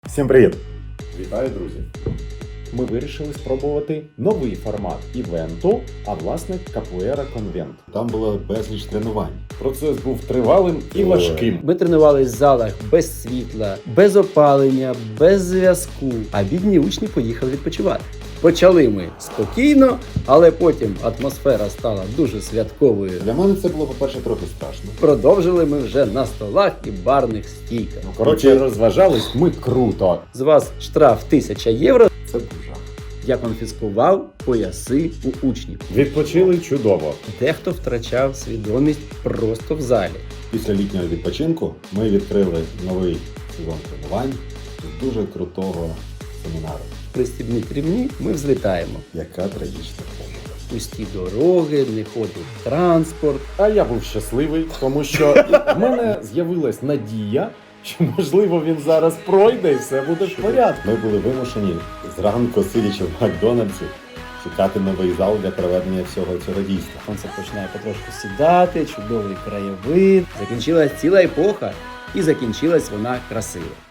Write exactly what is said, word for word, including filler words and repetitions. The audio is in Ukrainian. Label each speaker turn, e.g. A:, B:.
A: Всім привіт! Вітаю, друзі! Ми вирішили спробувати новий формат івенту, а власне Капуера Конвент. Там було безліч тренувань. Процес був тривалим і важким.
B: Ми тренувались в залах без світла, без опалення, без зв'язку, а бідні учні поїхали відпочивати. Почали ми спокійно, але потім атмосфера стала дуже святковою.
A: Для мене це було, по-перше, трохи страшно.
B: Продовжили ми вже на столах і барних стійках.
A: Ну, коротше, розважались ми круто.
B: З вас штраф тисяча євро.
A: Це був жах.
B: Я конфіскував пояси у учнів.
A: Відпочили чудово.
B: Дехто втрачав свідомість просто в залі.
A: Після літнього відпочинку ми відкрили новий сезон тренувань з дуже крутого семінару.
B: Пристібніть рівні, ми взлітаємо.
A: Яка трагічна помилка.
B: Пусті дороги, не ходить транспорт.
A: А я був щасливий, тому що в мене з'явилась надія, що, можливо, він зараз пройде і все буде в порядку. Ми були вимушені зранку, сидячи в Макдональдсі, шукати новий зал для проведення всього цього дійства.
B: Сонце починає потрошку сідати, чудовий краєвид. Закінчилась ціла епоха, і закінчилась вона красиво.